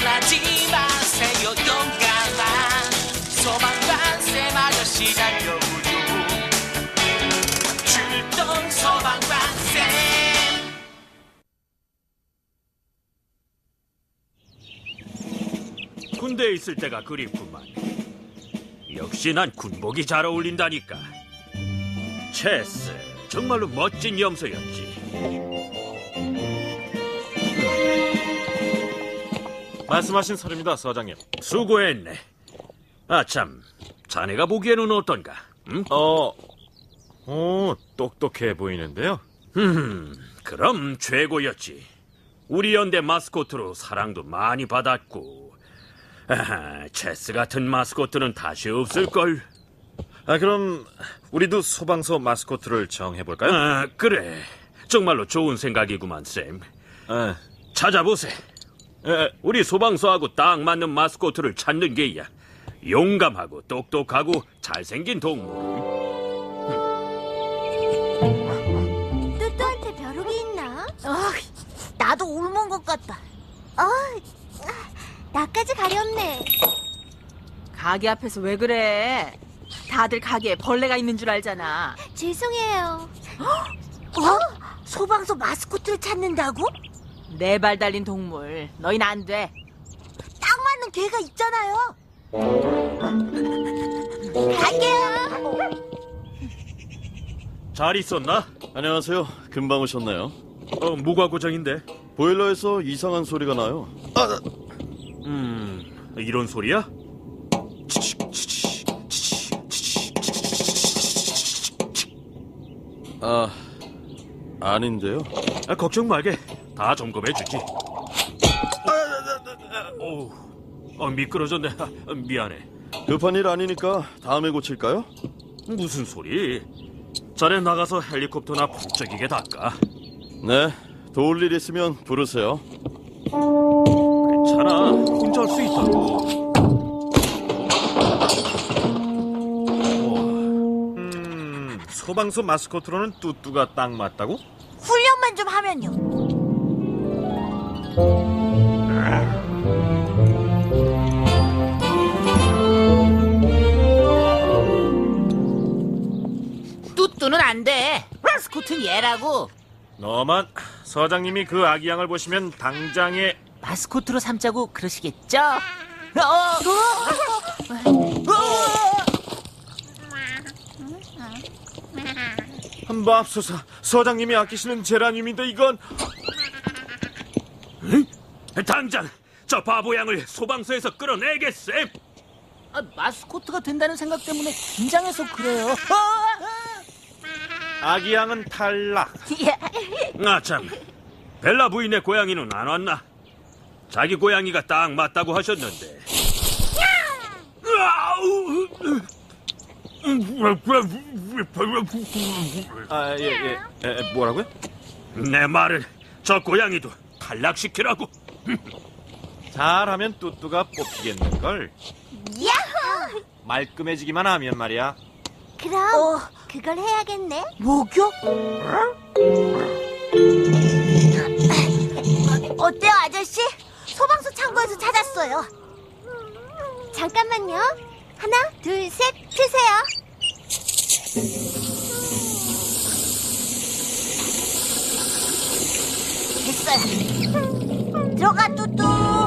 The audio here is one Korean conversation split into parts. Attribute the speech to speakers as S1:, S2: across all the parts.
S1: 놀라지 마세요 용감한 소방관쌤 아저씨 달려오죠. 출동 소방관쌤.
S2: 군대에 있을 때가 그립구만. 역시 난 군복이 잘 어울린다니까. 체스, 정말로 멋진 염소였지.
S3: 말씀하신 설입니다, 서장님.
S2: 수고했네. 아참, 자네가 보기에는 어떤가? 응?
S3: 똑똑해 보이는데요.
S2: 그럼 최고였지. 우리 연대 마스코트로 사랑도 많이 받았고. 체스 같은 마스코트는 다시 없을걸.
S3: 그럼 우리도 소방서 마스코트를 정해볼까요?
S2: 그래. 정말로 좋은 생각이구만, 쌤.
S3: 아,
S2: 찾아보세. 우리 소방서하고 딱 맞는 마스코트를 찾는 게야. 용감하고 똑똑하고 잘생긴 동물.
S4: 뚜뚜한테 벼룩이 있나? 나도 옮은 것 같다. 나까지 가렵네.
S5: 가게 앞에서 왜 그래? 다들 가게에 벌레가 있는 줄 알잖아.
S4: 죄송해요. 소방서 마스코트를 찾는다고?
S5: 네 발 달린 동물. 너희는 안 돼.
S4: 딱 맞는 개가 있잖아요. 갈게요.
S2: 잘 있었나?
S6: 안녕하세요. 금방 오셨나요?
S2: 무과 고정인데.
S6: 보일러에서 이상한 소리가 나요.
S2: 이런 소리야?
S6: 아닌데요.
S2: 걱정 말게. 다 점검해주지. 미끄러졌네. 미안해.
S6: 급한 일 아니니까 다음에 고칠까요?
S2: 무슨 소리? 자네 나가서 헬리콥터나 북적이게 닦아.
S6: 네. 도울 일 있으면 부르세요.
S2: 괜찮아. 혼자 할 수 있다고.
S3: 소방서 마스코트로는 뚜뚜가 딱 맞다고?
S4: 훈련만 좀 하면요.
S1: 뚜뚜는 안 돼. 마스코트는 얘라고.
S3: 너만 서장님이 그 아기 양을 보시면 당장에
S1: 마스코트로 삼자고 그러시겠죠?
S3: 한밥소사 서장님이 아끼시는 제라늄인데 이건
S2: 당장 저 바보 양을 소방서에서 끌어내겠세.
S1: 마스코트가 된다는 생각 때문에 긴장해서 그래요.
S3: 아기 양은 탈락.
S2: 아참, 벨라 부인의 고양이는 안 왔나? 자기 고양이가 딱 맞다고 하셨는데.
S3: 뭐라고요?
S2: 내 말은 저 고양이도 탈락시키라고.
S3: 잘하면 뚜뚜가 뽑히겠는걸.
S4: 야호!
S3: 말끔해지기만 하면 말이야.
S4: 그럼 그걸 해야겠네.
S1: 목욕?
S4: 어때요, 아저씨? 소방서 창고에서 찾았어요. 잠깐만요. 하나, 둘, 셋, 트세요. 됐어요. 들어가, 뚜뚜.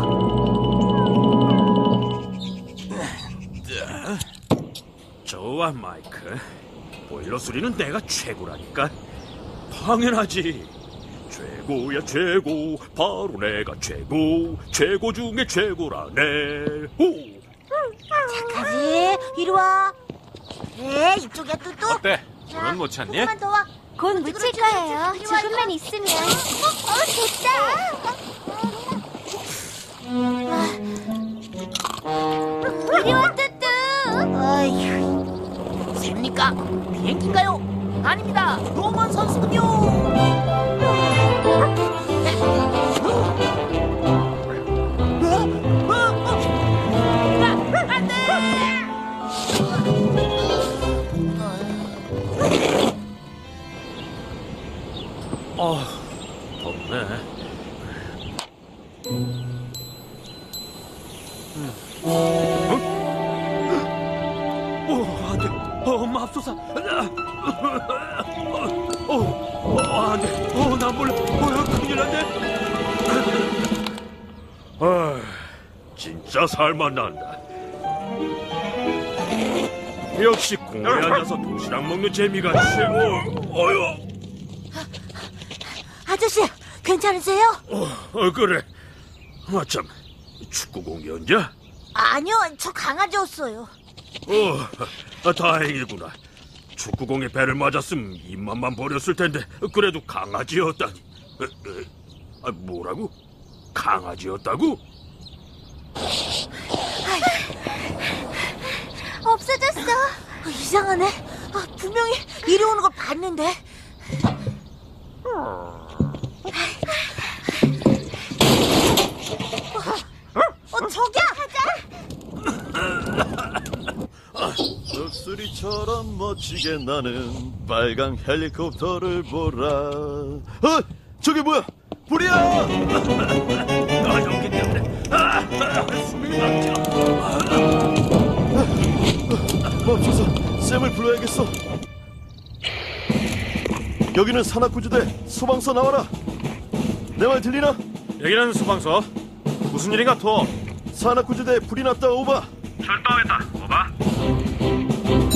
S2: 좋아, 마이크. 보일러 수리는 내가 최고라니까. 당연하지. 최고야 최고. 바로 내가 최고 중에 최고라네. 오.
S4: 착하지. 이리 와. 그래, 이쪽이야, 뚜뚜.
S3: 어때? 오늘 못 찾니?
S4: 조금만 더 와. 곧 묻힐 거예요. 조금만 있으면. 됐다. 이리 와, 뚜뚜. 어휴.
S1: 셉니까? 비행기인가요? 아닙니다. 로만 선수군요. 안 돼!
S2: 덥네. 안 돼. 맙소사. 안 돼. 나 몰라. 큰일 났네. 진짜 살만 난다. 역시 공에 앉아서 도시락 먹는 재미가 최고. 어휴.
S4: 아저씨, 괜찮으세요?
S2: 그래. 참, 축구 공이었냐?
S4: 아니요, 저 강아지였어요.
S2: 다행이구나. 축구공에 배를 맞았으면 입맛만 버렸을 텐데 그래도 강아지였다니. 뭐라고? 강아지였다고?
S4: 없어졌어. 이상하네. 분명히 이리 오는 걸 봤는데. 저기야!
S6: 독수리처럼 멋지게 나는 빨간 헬리콥터를 보라. 저게 뭐야? 불이야!
S2: 연기 때문에 숨이 막혀.
S6: 맙소사, 쌤을 불러야겠어. 여기는 산악구조대 소방서 나와라. 내 말 들리나?
S3: 여기는 소방서. 무슨 일인가 토?
S6: 산악구조대 불이 났다. 오바.
S3: 출동했다. 오바.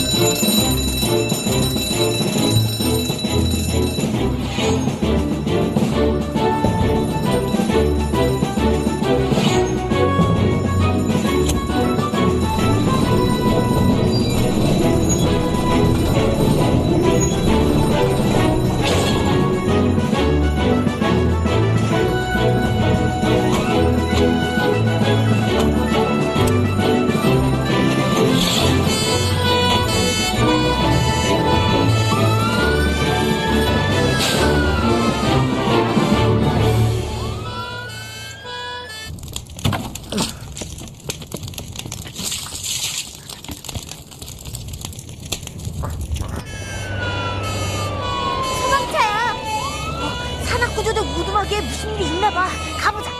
S4: 소방차야. 산악구조대 무덤하게 무슨 일이 있나 봐. 가보자.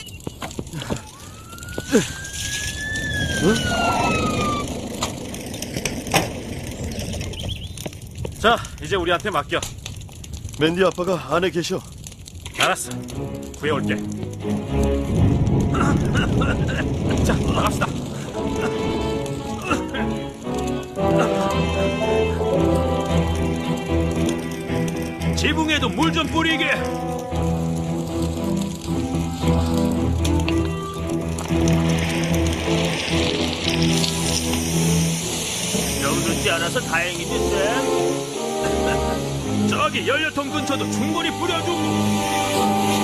S3: 자, 이제 우리한테 맡겨.
S6: 맨디 아빠가 안에 계셔.
S3: 알았어. 구해올게. 자, 나갑시다.
S2: 지붕에도 물 좀 뿌리게. 병들지 않아서 다행이지, 쌤. 저기 연료통 근처도 충분히 뿌려주고.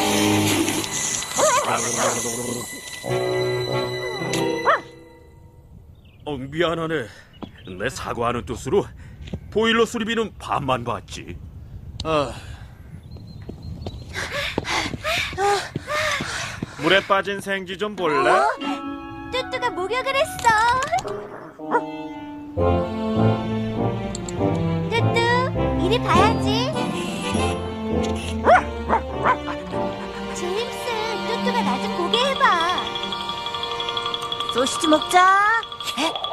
S2: 미안하네. 내 사과하는 뜻으로 보일러 수리비는 반만 받지.
S3: 물에 빠진 생쥐 좀 볼래?
S4: 뚜뚜가 목욕을 했어. 뚜뚜, 이리 봐야지. 제임스, 뚜뚜가 나 좀 보게 해봐. 소시지 먹자.